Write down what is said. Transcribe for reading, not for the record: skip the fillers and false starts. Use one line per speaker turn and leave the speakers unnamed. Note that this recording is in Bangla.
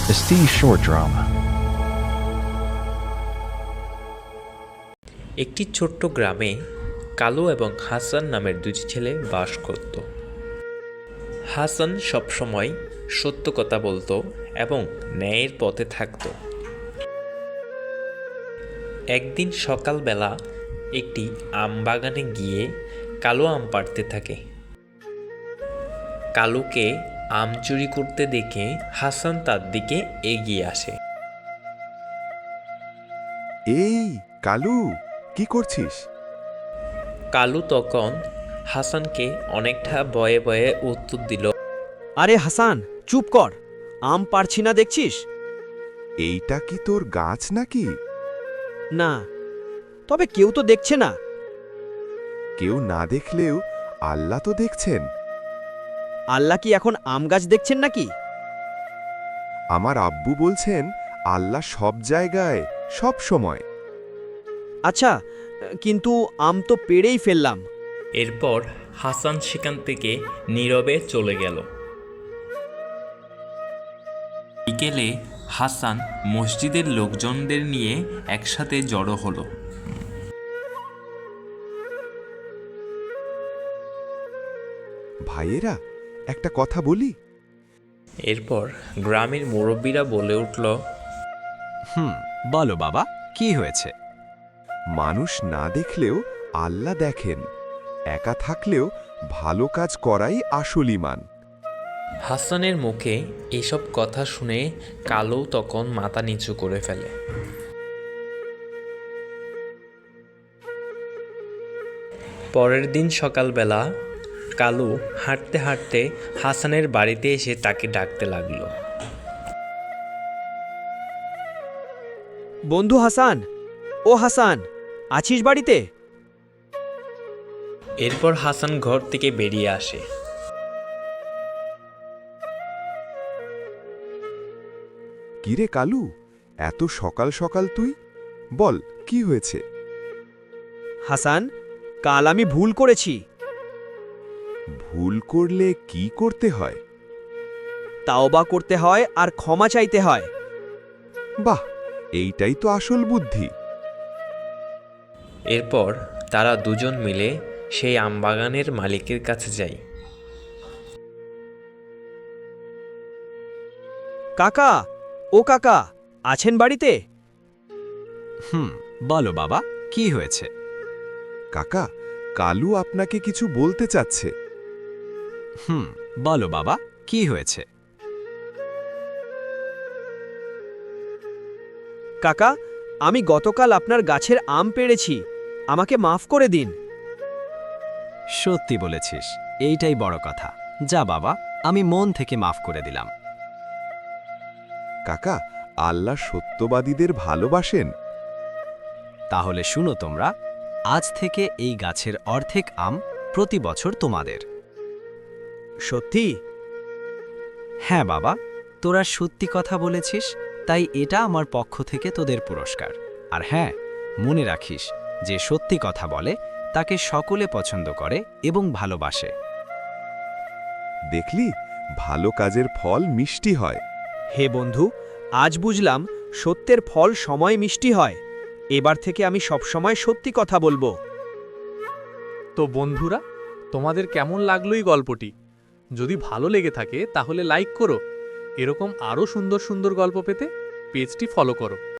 Estee's short drama.
একটি ছোট্ট গ্রামে কালু এবং হাসান নামের দুই ছেলে বাস করত। হাসান সবসময় সত্য কথা বলতো এবং ন্যায়ের পথে থাকত। একদিন সকালবেলা একটি আম বাগানে গিয়ে কালু আম পাড়তে থাকে। কালুকে আম চুরি করতে দেখে হাসান তার দিকে এগিয়ে আসে।
এই কালু, কি করছিস?
কালু তখন হাসানকে অনেকটা ভয়ে ভয়ে উত্তর দিল,
আরে হাসান, চুপ কর। আম পারছি না দেখছিস?
এইটা কি তোর গাছ নাকি?
না, তবে কেউ তো দেখছে না।
কেউ না দেখলেও আল্লাহ তো দেখছেন।
আল্লাহ কি এখন আম গাছ দেখছেন নাকি?
আমার আব্বু বলছেন আল্লাহ সব জায়গায়, সব সময়।
আচ্ছা, কিন্তু আম তো পেড়েই ফেললাম।
এরপর হাসান সেখান থেকে নীরবে চলে গেল। বিকেলে হাসান মসজিদের লোকজনদের নিয়ে একসাথে জড়ো হলো।
ভাইয়েরা, একটা কথা বলি।
এরপর গ্রামের মুরব্বীরা বলে উঠল,
বলো বাবা, কি হয়েছে?
মানুষ না দেখলেও আল্লাহ দেখেন। একা থাকলেও ভালো কাজ করাই আসল ঈমান।
হাসানের মুখে এসব কথা শুনে কালু তখন মাথা নিচু করে ফেলে। পরের দিন সকালবেলা কালু হাঁটতে হাঁটতে হাসানের বাড়িতে এসে তাকে ডাকতে লাগলো।
বন্ধু হাসান, ও হাসান, আছিস বাড়িতে?
এরপর হাসান ঘর থেকে বেরিয়ে আসে।
কিরে কালু, এত সকাল সকাল তুই? বল, কি হয়েছে?
হাসান, কাল আমি ভুল করেছি।
ভুল করলে কি করতে হয়?
তাওবা করতে হয় আর ক্ষমা চাইতে হয়।
বাহ, এইটাই তো আসল বুদ্ধি।
এরপর তারা দুজন মিলে সেই আমবাগানের মালিকের কাছে যায়।
কাকা, ও কাকা, আছেন বাড়িতে?
বলো বাবা, কি হয়েছে?
কাকা, কালু আপনাকে কিছু বলতে চাচ্ছে।
বলো বাবা, কি হয়েছে?
কাকা, আমি গতকাল আপনার গাছের আম পেড়েছি, আমাকে মাফ করে দিন।
সত্যি বলেছিস, এইটাই বড় কথা। যা বাবা, আমি মন থেকে মাফ করে দিলাম।
কাকা, আল্লাহ সত্যবাদীদের ভালোবাসেন।
তাহলে শুনো তোমরা, আজ থেকে এই গাছের অর্ধেক আম প্রতি বছর তোমাদের।
সত্যি?
হ্যাঁ বাবা, তোরা সত্যি কথা বলেছিস, তাই এটা আমার পক্ষ থেকে তোদের পুরস্কার। আর হ্যাঁ, মনে রাখিস, যে সত্যি কথা বলে তাকে সকলে পছন্দ করে এবং ভালোবাসে।
দেখলি, ভালো কাজের ফল মিষ্টি হয়।
হে বন্ধু, আজ বুঝলাম সত্যের ফল সময় মিষ্টি হয়। এবার থেকে আমি সবসময় সত্যি কথা বলবো।
তো বন্ধুরা, তোমাদের কেমন লাগলো এই গল্পটি? যদি ভালো লেগে থাকে তাহলে লাইক করো। এরকম আরও সুন্দর সুন্দর গল্প পেতে পেজটি ফলো করো।